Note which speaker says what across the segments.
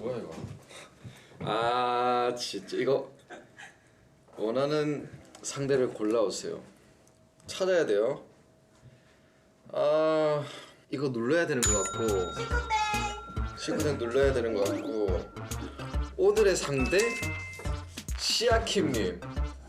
Speaker 1: 뭐야 이거? 아 진짜 이거 원하는 상대를 골라오세요. 찾아야 돼요. 아 이거 눌러야 되는 것 같고 식구생 눌러야 되는 것 같고 오늘의 상대 시아킴님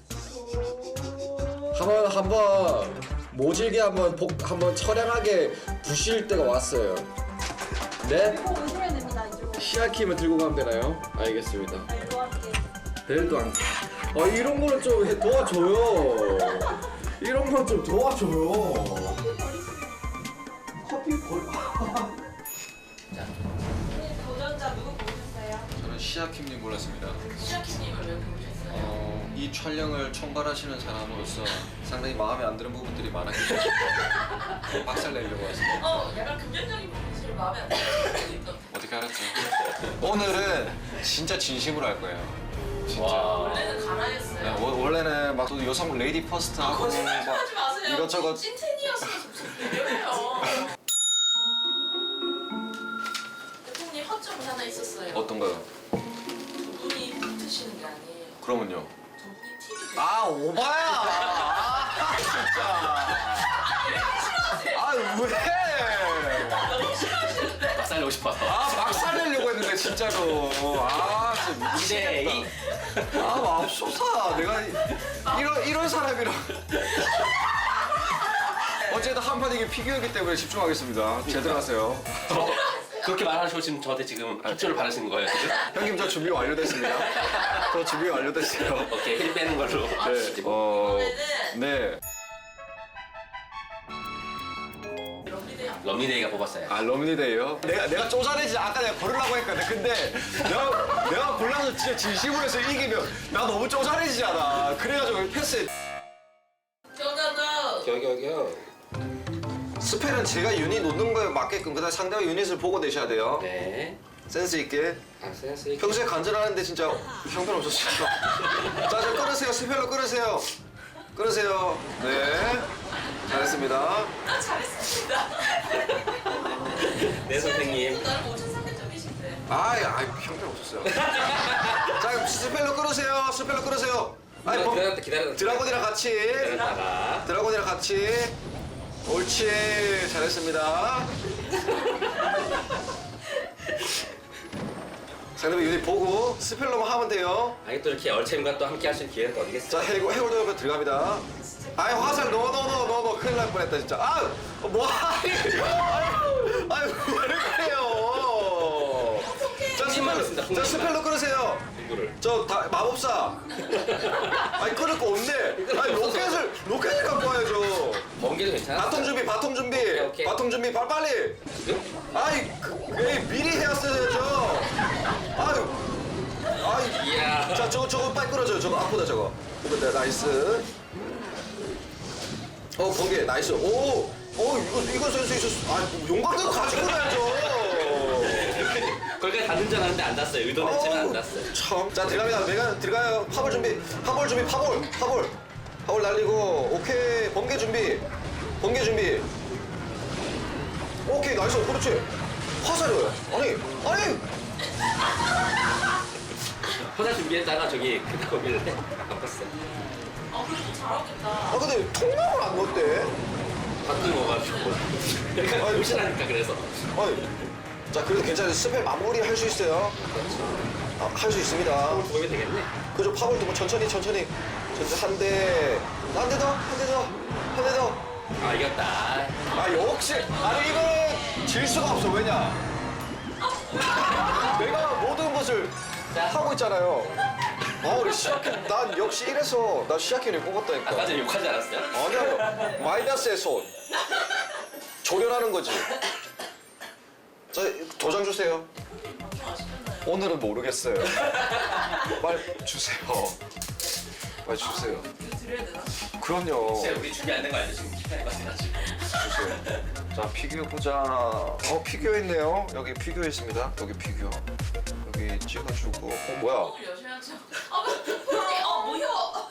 Speaker 1: 한번 모질게 한번 처량하게 부실 때가 왔어요. 네?
Speaker 2: 오시면 됩니다. 이쪽으로.
Speaker 1: 시아킴을 들고 가면 되나요? 알겠습니다.
Speaker 2: 벨도 함께.
Speaker 1: 벨도 안. 아 이런 거는 좀 도와줘요. 이런 건 좀 도와줘요. 커피 걸.
Speaker 2: 도전자 누구 보셨어요?
Speaker 1: 저는 시아킴님 골랐습니다.
Speaker 2: 시아키님을 왜 보셨어요?
Speaker 1: 이 촬영을 총괄하시는 사람으로서 상당히 마음에 안 드는 부분들이 많았기 때문에 박살 내려고 왔습니다.
Speaker 2: 약간 금전적인 부분이 제일 마음에 안 들어요.
Speaker 1: 어떻게 알았죠? 오늘은 진짜 진심으로 할 거예요. 진짜.
Speaker 2: 원래는 가라였어요.
Speaker 1: 네, 원래는 막 또 여성 레이디 퍼스트 하고
Speaker 2: 거짓말 좀 하지 마세요.
Speaker 1: 이것저것
Speaker 2: 찐텐이었으면 이래요. 대통령 허점이 하나 있었어요.
Speaker 1: 어떤가요?
Speaker 2: 두 분이 붙으시는 게 아니에요.
Speaker 1: 그러면요?
Speaker 2: 두 분이 팀이 돼요.
Speaker 1: 아 오바야! 아 진짜! 아 왜?
Speaker 2: 너무 싫어하시는데?
Speaker 3: 박살내고 싶어서.
Speaker 1: 아 박살내려고 했는데 진짜로. 아 진짜 미치겠다.
Speaker 3: 2대2.
Speaker 1: 아 맙소사. 내가 이런 사람이랑. 어쨌든 한판 이게 피규어이기 때문에 집중하겠습니다. 제대로 하세요.
Speaker 3: 그렇게 말하시고 지금 저한테 지금 핏줄을 바르시는 거예요, 지금?
Speaker 1: 형님 저 준비 완료됐습니다. 저 준비 완료됐어요.
Speaker 3: 오케이, 힐 빼는 걸로.
Speaker 1: 네.
Speaker 2: 이번에는
Speaker 1: 네.
Speaker 2: 럼리데이
Speaker 3: 럼리데이가 뽑았어요.
Speaker 1: 아 럼니데이요? 내가 쪼잔해지 아까 내가 고르려고 했거든. 근데 내가 골라서 진짜 진심으로 해서 이기면 나 너무 쪼잔해지잖아. 그래가지고 패스.
Speaker 2: 경가도
Speaker 3: 겨겨겨.
Speaker 1: 스펠은 제가 유닛 놓는 거에 맞게끔 그다음 상대방 유닛을 보고 내셔야 돼요.
Speaker 3: 네.
Speaker 1: 센스 있게.
Speaker 3: 아, 센스 있게.
Speaker 1: 평소에 간절하는데 진짜 형편없었어요. 자, 좀 끊으세요. 스펠로 끊으세요. 끊으세요. 네. 잘했습니다.
Speaker 2: 잘했습니다.
Speaker 3: 네, 선생님.
Speaker 2: 나름 5,300점이신데.
Speaker 1: 아이 형편없었어요. 자, 스펠로 끊으세요. 스펠로 끊으세요. 아이,
Speaker 3: 기다렸다.
Speaker 1: 드라곤이랑 같이.
Speaker 3: 기다렸다가.
Speaker 1: 드라곤이랑 같이. 옳지. 잘했습니다. 상대방 유닛 보고 스펠로만 하면 돼요.
Speaker 3: 아니, 또 이렇게 얼챔과 또 함께 할 수 있는 기회가 또 어디겠어요?
Speaker 1: 자, 해골도 옆에 들어갑니다. 아이, 화살 넣어. 큰일 날 뻔했다, 진짜. 아! 뭐하니? 아유, 왜 그래요? 자, 스펠로 끊으세요.
Speaker 3: 누구를?
Speaker 1: 마법사. 아니, 끊을 거 없네. 아니, 로켓을 갖고 와야죠.
Speaker 3: 번개도 괜찮아?
Speaker 1: 바통 준비.
Speaker 3: 오케이.
Speaker 1: 바통 준비, 빨리. 아이, 에이, 미리 해왔어야죠. 아유.
Speaker 3: 이야.
Speaker 1: 자, 저거 빨리 끌어줘요. 저거 아프다, 저거. 네, 나이스. 번개, 나이스. 이거 센스 있었어. 아, 용광도 가지고 가야죠.
Speaker 3: 거기까지 닿는 줄 알았는데 안 닿았어요. 의도했지만 안 닿았어요.
Speaker 1: 참. 자, 들어갑니다. 내가 들어가요. 파볼 준비. 파볼 날리고. 오케이. 번개 준비. 오케이, 나이스. 그렇지. 화살이요. 아니.
Speaker 3: 화살 준비했다가 저기 그 거기를 바꿨어요.
Speaker 2: 그래도 잘하겠다.
Speaker 1: 아, 근데 통나무를 안 넣었대.
Speaker 3: 바꾼 거가지고. 그러니까
Speaker 1: 아니,
Speaker 3: 무시하니까 그래서.
Speaker 1: 아니. 자, 그래도 괜찮아요. 스펠 마무리 할 수 있어요. 할 수 있습니다.
Speaker 3: 보면 되겠네.
Speaker 1: 그죠? 파벌도 뭐 천천히 한 대 더.
Speaker 3: 아, 이겼다.
Speaker 1: 아, 역시. 아니, 이거는 질 수가 없어. 왜냐? 내가 모든 것을 하고 있잖아요. 우리 시아킴, 난 역시 이래서 나 시아킴을 뽑았다니까.
Speaker 3: 아까 전에 욕하지 않았어요?
Speaker 1: 아니요. 마이너스의 손. 조련하는 거지. 자, 도장 주세요.
Speaker 2: 방송 아시잖아요.
Speaker 1: 오늘은 모르겠어요. 빨리 주세요. 빨리 주세요.
Speaker 2: 이거 드려야 되나?
Speaker 1: 그럼요.
Speaker 3: 진짜 우리 준비 안 된 거 알죠? 지금 기타에 가지고.
Speaker 1: 주세요. 자, 피규어 보자. 피규어 있네요. 여기 피규어 있습니다. 여기 피규어. 여기 찍어주고. 뭐야?
Speaker 2: 을 여셔야죠. 뭐야?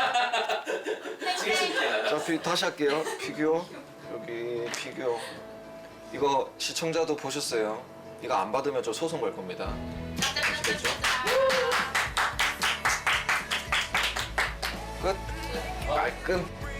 Speaker 3: 지금 신기하다.
Speaker 1: 자, 다시 할게요. 피규어. 여기 피규어. 이거 시청자도 보셨어요. 이거 안 받으면 저 소송 걸 겁니다.
Speaker 2: 짜잔.
Speaker 3: 됐죠?
Speaker 1: 끝. 깔끔.